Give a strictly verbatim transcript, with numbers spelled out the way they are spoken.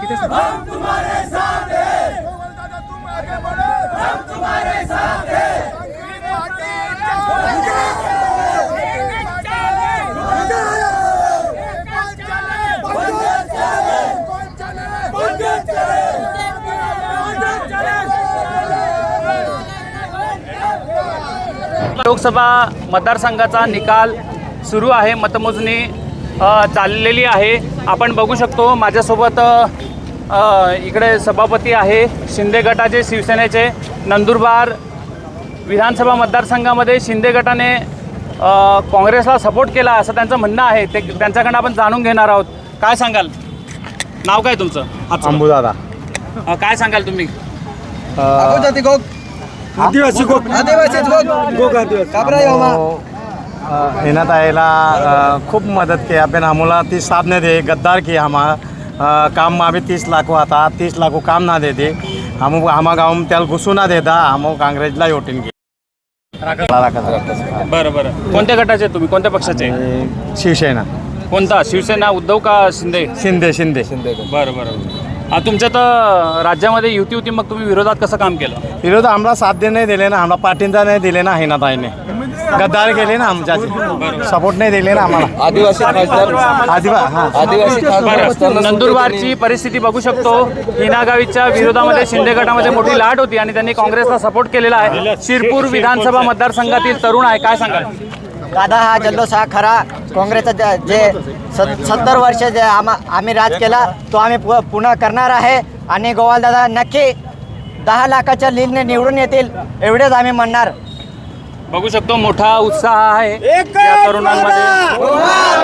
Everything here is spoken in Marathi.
किती हम तुम्हारे साथ हैं, दादा तुम आगे बढ़ो, हम तुम्हारे साथ हैं। लोकसभा मतदारसंघाचा निकाल सुरू आहे. मतमोजणी अ, चाललेली आहे. आपण बघू शकतो माझ्यासोबत अ, इकडे सभापती आहे शिंदे गटाचे, शिवसेनेचे. नंदुरबार विधानसभा मतदारसंघामध्ये शिंदे गटाने अ, काँग्रेसला सपोर्ट केला असं त्यांचं म्हणणं आहे. ते त्यांच्याकडनं आपण जाणून घेणार आहोत. काय सांगाल? नाव काय तुमचं? अंबुदादा. अ, काय सांगाल तुम्ही? आदिवासी गोग आदिवासी गोग गोग आदिवासी इन्हें ताईला खूब मदद की अपन हमला तीस साथ ने दे गद्दार की हम काम में भी तीस लाख आता तीस लाख काम ना देते हम हम गाँव में त्याला घुसू ना देता हम काँग्रेसला वोटिंग की. बरं बरं. कोणत्या गटाचे तुम्ही? कोणत्या पक्षाचे? शिवसेना. कोणता? शिवसेना, उद्धव का शिंदे? शिंदे शिंदे शिंदे. बरं बरं. हा, तुमच्या तर राज्यामध्ये युती होती, मग तुम्ही विरोधात कसं काम केलं? विरोध आम्हाला साथ दे नाही दिले ना, आम्हाला पाठिंबा नाही दिले ना. हिना ताईने गद्दार केले ना, आमच्या सपोर्ट नाही दिले ना आम्हाला. आदिवासी खासदार आदिवासी खासदार नंदुरबारची परिस्थिती बघू शकतो. हिना गावीच्या विरोधामध्ये शिंदे गटामध्ये मोठी लाट होती आणि त्यांनी काँग्रेसला सपोर्ट केलेला आहे. शिरपूर विधानसभा मतदारसंघातील तरुण आहे, काय सांगाल? दादा हा जल्लोष हा खरा काँग्रेसचा जे सत्तर वर्ष जे आम आम्ही राज केला तो आम्ही पु पुन्हा करणार आहे आणि गोवालदादा नक्की दहा लाखाच्या लीडने निवडून येतील एवढेच आम्ही म्हणणार. बघू शकतो मोठा उत्साह आहे या तरुणांमध्ये.